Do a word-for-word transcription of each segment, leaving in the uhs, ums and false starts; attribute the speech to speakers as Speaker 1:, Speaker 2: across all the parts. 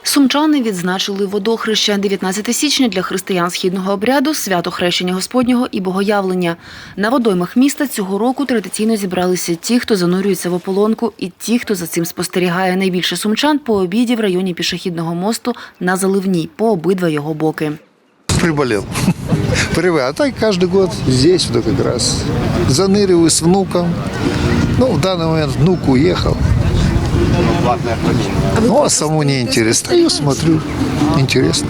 Speaker 1: Сумчани відзначили водохреща. дев'ятнадцяте січня для християн східного обряду – свято Хрещення Господнього і Богоявлення. На водоймах міста цього року традиційно зібралися ті, хто занурюється в ополонку, і ті, хто за цим спостерігає. Найбільше сумчан по обіді в районі пішохідного мосту на Заливній, по обидва його боки.
Speaker 2: Приболел. Привык. А так каждый год здесь вот как раз заныриваю с внуком. Ну, в данный момент внук уехал. Ну, а самому не интересно. Стою, смотрю. Интересно.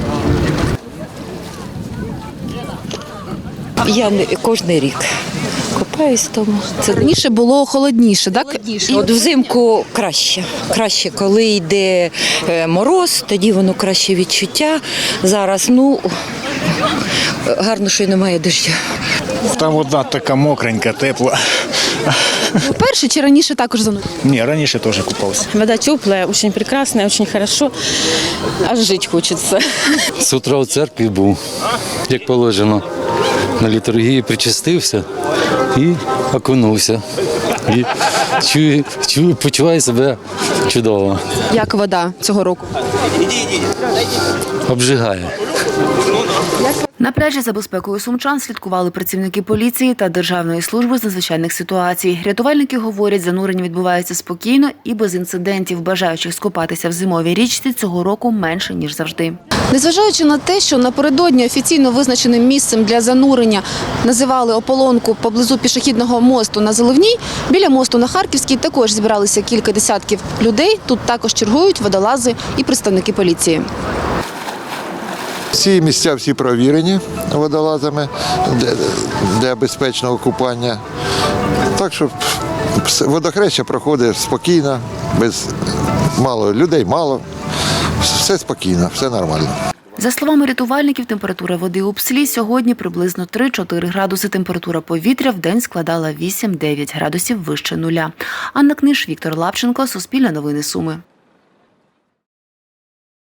Speaker 3: Я не кожен рік купаюсь тому. Це
Speaker 4: Раніше було холодніше, так?
Speaker 3: холодніше. От взимку краще. Краще, коли йде е, мороз, тоді воно краще відчуття. Зараз, ну, гарно, що й немає дощу.
Speaker 5: Там вода така мокренька, тепла.
Speaker 4: Перше чи раніше також занурювали?
Speaker 5: Ні, раніше теж купався.
Speaker 6: Вода теплая, очень прекрасная, очень хорошо. Аж жить хочется.
Speaker 7: З утра у церкві був, як положено. На літургії причастився і окунувся. І чую, чую, почуваю себе чудово.
Speaker 4: Як вода цього року?
Speaker 7: Обжигає.
Speaker 1: На пляжі за безпекою сумчан слідкували працівники поліції та Державної служби з надзвичайних ситуацій. Рятувальники говорять, занурення відбувається спокійно і без інцидентів. Бажаючих скупатися в зимовій річці цього року менше, ніж завжди.
Speaker 4: Незважаючи на те, що напередодні офіційно визначеним місцем для занурення називали ополонку поблизу пішохідного мосту на Заливній, біля мосту на Харківській також зібралися кілька десятків людей. Тут також чергують водолази і представники поліції.
Speaker 2: Ці місця всі провірені водолазами для, для безпечного купання. Так що водохреща проходить спокійно, без мало людей, мало. Все спокійно, все нормально.
Speaker 1: За словами рятувальників, температура води у Пслі сьогодні приблизно три-чотири градуси. Температура повітря в день складала вісім-дев'ять градусів вище нуля. Анна Книж, Віктор Лапченко, Суспільне новини Суми.